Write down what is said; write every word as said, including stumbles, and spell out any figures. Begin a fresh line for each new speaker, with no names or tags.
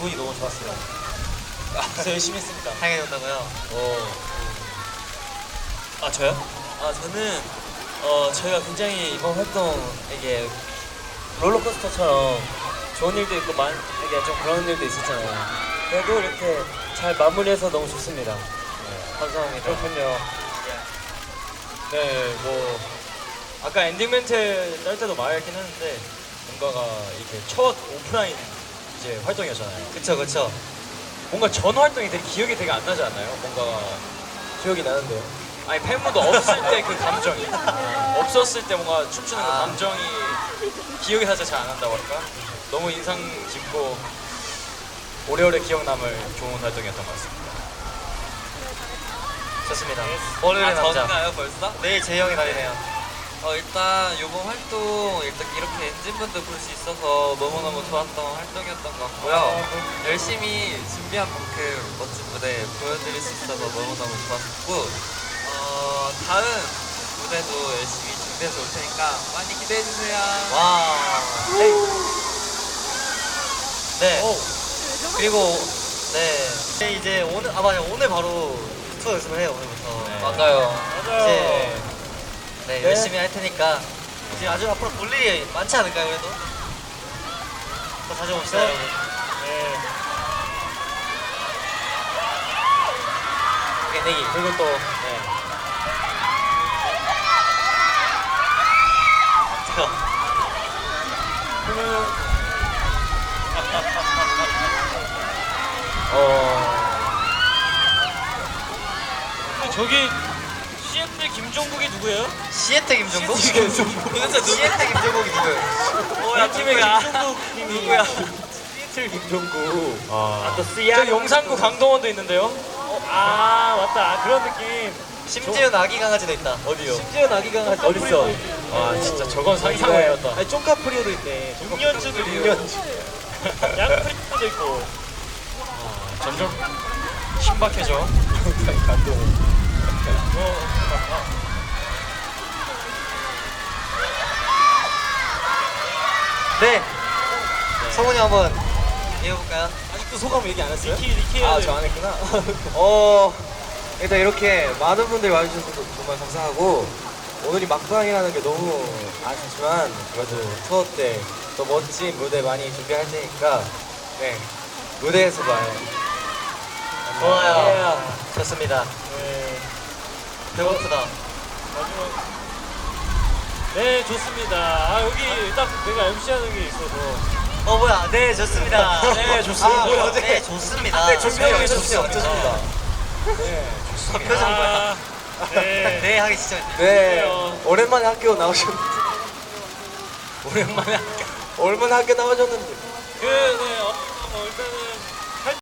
기분이 너무 좋았어요. 그래서 열심히 했습니다.
당연하다고요?
어. 아 저요? 아 저는 어 저희가 굉장히 이번 활동 이게 롤러코스터처럼 좋은 일도 있고 만 이게 좀 그런 일도 있었잖아요. 그래도 이렇게 잘 마무리해서 너무 좋습니다. 네, 감사합니다. 그렇군요. 네, 뭐 아까 엔딩 멘트 짤 때도 말했긴 했는데 뭔가가 이렇게 첫 오프라인 이제 활동이었잖아요. 그쵸, 그쵸. 뭔가 전 활동이 되게 기억이 되게 안 나지 않나요? 뭔가 기억이 나는데요. 아니 팬분도 없을 때 그 감정이 없었을 때 뭔가 춤추는 그
아.
감정이 기억이 살짝 잘 안 난다고 할까? 너무 인상 깊고 오래오래 기억 남을 좋은 활동이었던 것 같습니다. 좋습니다. 월요일의
아,
남자.
저인가요 벌써?
내일 재영이 날이네요.
어 일단 이번 활동 일단 이렇게 엔진분들 볼 수 있어서 너무너무 좋았던 활동이었던 것 같고요.
아,
열심히 준비한 만큼 멋진 무대 보여드릴 수 있어서 너무너무 좋았고 어 다음 무대도 열심히 준비해서 올 테니까 많이 기대해주세요.
와. 네.
오.
그리고 네. 네, 이제 오늘 아 맞아 오늘 바로 투어 연습을 해요 오늘부터.
네. 맞아요.
이제 네,
네.
열심히 할 테니까 이제 아주 앞으로 볼 일이 많지 않을까요 그래도? 더 자주 봅시다
네.
여러분.
네.
오케이 내기. 그리고 또 네. 그러면 어.
저기 씨엔티 김종국이 누구예요?
시애트 김종국?
시애트 김종국.
도대체 누구? 시애트 김종국이 누구예요?
뭐야 팀의
누구야?
김종국 님이
누구야?
시애틀 김종국.
아,
또 씨알. 저 용산구 강동원도 있는데요. 어, 아 맞다. 아, 그런 느낌.
심지어 아기 강아지도 있다. 어디요?
심지어 아기 강아지
어딨어?
아
진짜 저건 상상을 외웠다.
아니 쫑카프리오도 있네. 육년주도 육년주. 양프리도 있고.
점점 신박해져.
감동.
네. 성훈이 한번 얘기해볼까요?
아직도 소감 얘기 안 했어요?
니키, 니키
아, 저 안 했구나.
어, 일단 이렇게 많은 분들이 와주셔서 정말 감사하고 오늘이 막방이라는 게 너무 아쉽지만 그래도 투어 때 더 멋진 무대 많이 준비할 테니까 네 무대에서 봐요.
좋아요. 좋습니다.
네.
배고프다.
마지막. 네, 좋습니다. 아, 여기 딱 내가 엠씨하는 게 있어서.
어 뭐야? 네 좋습니다.
네, 좋습니다.
아,
뭐야?
네 좋습니다.
네, 준비하고
좋습니다.
좋습니다.
네.
아, 표정 뭐야?
아, 네.
네 하기 진짜.
네,
좋네요.
오랜만에 학교 나오셨는데
오랜만에.
얼마나 학교 나오셨는데
그, 네, 어, 어, 일단은